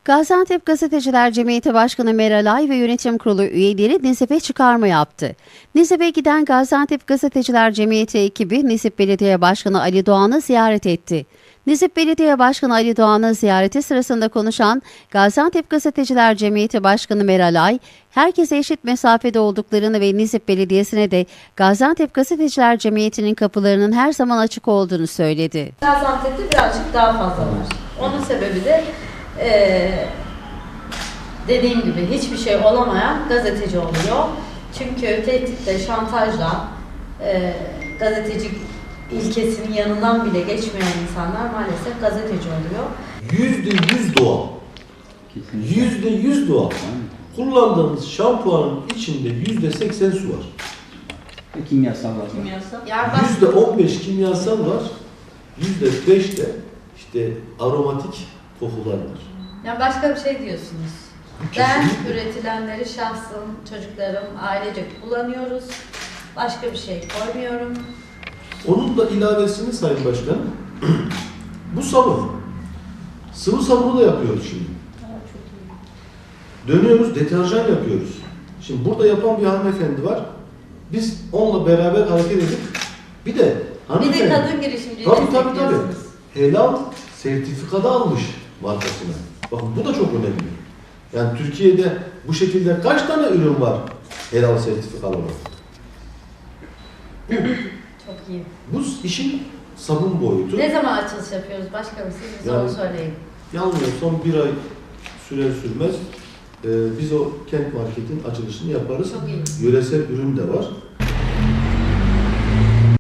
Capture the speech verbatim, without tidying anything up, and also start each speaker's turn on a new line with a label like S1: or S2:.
S1: Gaziantep Gazeteciler Cemiyeti Başkanı Meral Ay ve Yönetim Kurulu üyeleri Nisip'e çıkarma yaptı. Nisip'e giden Gaziantep Gazeteciler Cemiyeti ekibi Nisip Belediye Başkanı Ali Doğan'ı ziyaret etti. Nisip Belediye Başkanı Ali Doğan'ı ziyareti sırasında konuşan Gaziantep Gazeteciler Cemiyeti Başkanı Meral Ay, herkese eşit mesafede olduklarını ve Nisip Belediyesi'ne de Gaziantep Gazeteciler Cemiyeti'nin kapılarının her zaman açık olduğunu söyledi.
S2: Gaziantep'te birazcık daha fazla var. Onun sebebi de Ee, dediğim gibi hiçbir şey olamayan gazeteci oluyor. Çünkü tehditle, şantajla e, gazeteci ilkesinin yanından bile geçmeyen insanlar maalesef gazeteci oluyor.
S3: Yüzde yüz doğal. Yüzde yüz doğal. Kullandığımız şampuanın içinde yüzde seksen su var.
S4: Ve kimyasal var.
S2: Kimyasal.
S3: Yüzde on beş kimyasal var. Yüzde beş de işte aromatik kokular var.
S2: Yani başka bir şey diyorsunuz. Ben üretilenleri şahsım, çocuklarım, ailecek kullanıyoruz. Başka bir şey koymuyorum.
S3: Onun da ilavesini Sayın Başkanım, bu sabun. Sıvı sabunu da yapıyoruz şimdi. Dönüyoruz, deterjan yapıyoruz. Şimdi burada yapan bir hanımefendi var. Biz onunla beraber hareket edip bir de
S2: Bir de kadın girişimciyi
S3: tabii, tabii, tabii.
S2: destekliyorsunuz.
S3: Helal sertifikada almış markasına. Bakın bu da çok önemli. Yani Türkiye'de bu şekilde kaç tane ürün var helal sertifikalı olan?
S2: Çok iyi.
S3: Bu işin sabun boyutu.
S2: Ne zaman açılış yapıyoruz başkanım? Siz bize
S3: Yani-
S2: onu söyleyin.
S3: Yanılmıyorsam bir ay sürer sürmez e, biz o kent marketin açılışını yaparız.
S2: Çok iyi.
S3: Yöresel ürün de var.